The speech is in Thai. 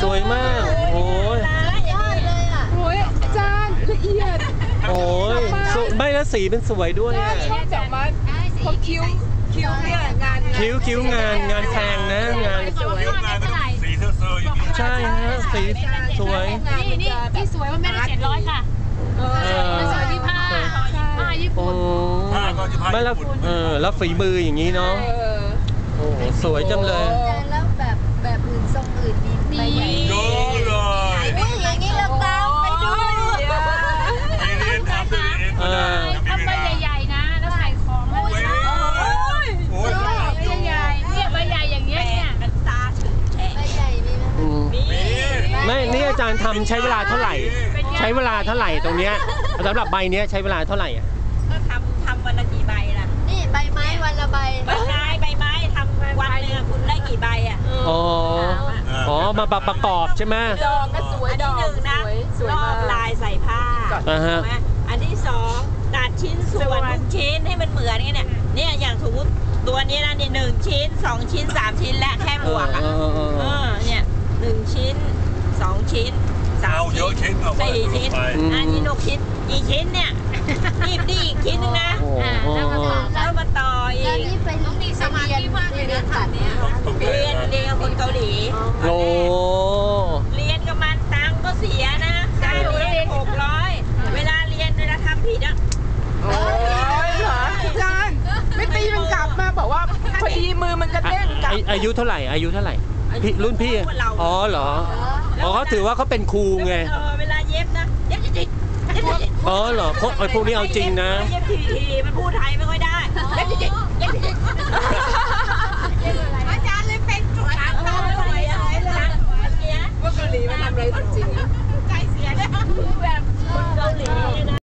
สวยมากโอ้ยยอดเลยอ่ะโอ้ยอาจารย์ละเอียดโอ้ยไม่แล้วสีเป็นสวยด้วยชอบจับมัดเพราะคิ้วเนี่ยงานคิ้วงานแพงนะงานสีเซอร์อย่างนี้ใช่ฮะสีสวยนี่สวยว่าไม่ได้700ค่ะมันสวยที่ผ้าญี่ปุ่นไม่แล้วฝีมืออย่างนี้เนาะโอ้สวยจังเลยแล้วแบบอื่นทรงอื่นมีใหญ่เยอะเลยอย่างนี้เราตามไปดูทำใบใหญ่ๆนะแล้วใส่ของแล้วใหญ่ๆเนี่ยใบใหญ่อย่างเงี้ยเนี่ยมันตาถึงแฉะใบใหญ่มีไหมไม่นี่อาจารย์ทำใช้เวลาเท่าไหร่ใช้เวลาเท่าไหร่ตรงเนี้ยสำหรับใบเนี้ยใช้เวลาเท่าไหร่อ่ะก็ทำวันละกี่ใบล่ะนี่ใบไม้วันละใบใบไม้ทำวันนึงคุณได้กี่ใบอ่ะอ๋อมาประกอบใช่ไหมดอกก็สวยดอกหนึ่งนะรอบลายใส่ผ้าอันที่สองตัดชิ้นส่วนทุกชิ้นให้มันเหมือนกันเนี่ยอย่างสมมติตัวนี้นะนี่1 ชิ้น 2 ชิ้น 3 ชิ้นและแค่หมวกอ่ะเนี่ย1 ชิ้น 2 ชิ้น3 ชิ้น4 ชิ้นอันนี้6 ชิ้นกี่ชิ้นเนี่ยนี่อีกชิ้นนึงนะแล้วมาต่ออีกนี่ไปต้องมีสมาธิมากเลยนะตัดเนี่ยเรียนกับคนเกาหลีเรียนกับมันตังก็เสียนะค่าเรียน600เวลาทำผิดอ่ะโอ้ยเหรออาจารย์ไม่ตีมันกลับมาบอกว่าพอดีมือมันกระเด้งกลับอายุเท่าไหร่รุ่นพี่อ๋อเหรออ๋อเขาถือว่าเขาเป็นครูไงเวลาเย็บนะเย็บจริงอ๋อเหรอพวกนี้เอาจริงนะเย็บทีมันพูดไทยไม่ค่อยได้เย็บจริงอาจารย์เลยเป็นจุดว่าเกาหลีมันทำอะไรจริง